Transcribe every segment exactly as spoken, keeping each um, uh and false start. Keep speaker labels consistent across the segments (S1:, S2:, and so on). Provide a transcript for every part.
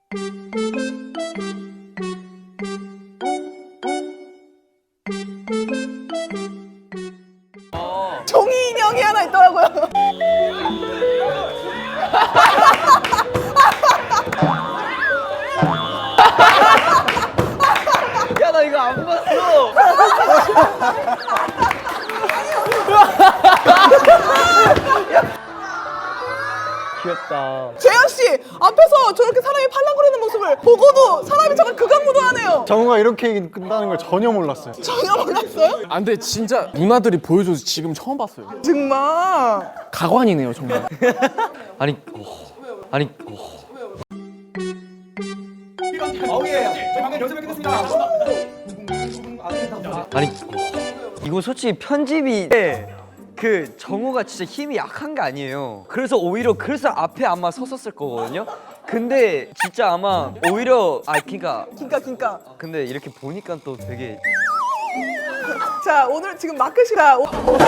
S1: 종이 인형이 하나 있더라고요.
S2: 야, 나 이거 안 봤어. 귀엽다.
S1: 재현 씨 앞에서 저렇게 사람이 팔랑거리는 모습을 보고도 사람이 정말 극악무도하네요.
S3: 정우가 이렇게 끝나는 걸 전혀 몰랐어요.
S1: 전혀 몰랐어요?
S4: 아 근데 진짜 누나들이 보여줘서 지금 처음 봤어요.
S1: 정말.
S4: 가관이네요 정말.
S2: 아니, 어, 아니, 어. 아니, 어. 이거 솔직히 편집이 그 정우가 진짜 힘이 약한 게 아니에요. 그래서 오히려 그래서 앞에 아마 섰었을 거거든요. 근데 진짜 아마 오히려 아 그니까
S1: 긴까 긴까.
S2: 근데 이렇게 보니까 또 되게
S1: 자 오늘 지금 마크시가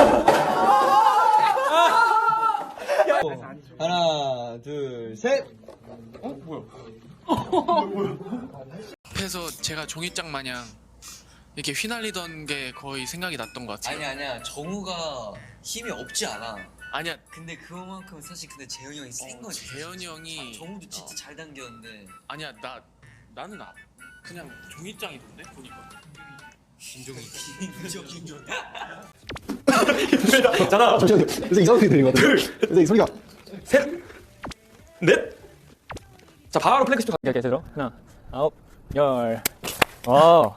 S2: 하나 둘셋
S5: 앞에서 제가 종이장 마냥 이렇게 휘날리던 게 거의 생각이 났던 것 같아요.
S6: 아니 아니야 정우가 힘이 없지 않아.
S5: 아니야,
S6: 근데 그만큼 사실 근데 재현이 형이 센
S5: 어,
S6: 거지.
S5: 재현이 형이
S6: 정우도 진짜 잘 당겼는데.
S5: 아니야 나 나는 아, 그냥 종이장이던데 보니까.
S6: 김종이 김종 김종.
S3: 잠시만요. 그래서 이상한 소리 들린 것 같아요. 그래서 이 소리가
S4: 자 바로 플렉스도 갈게요. 제대로 하나, 아홉, 열. 와.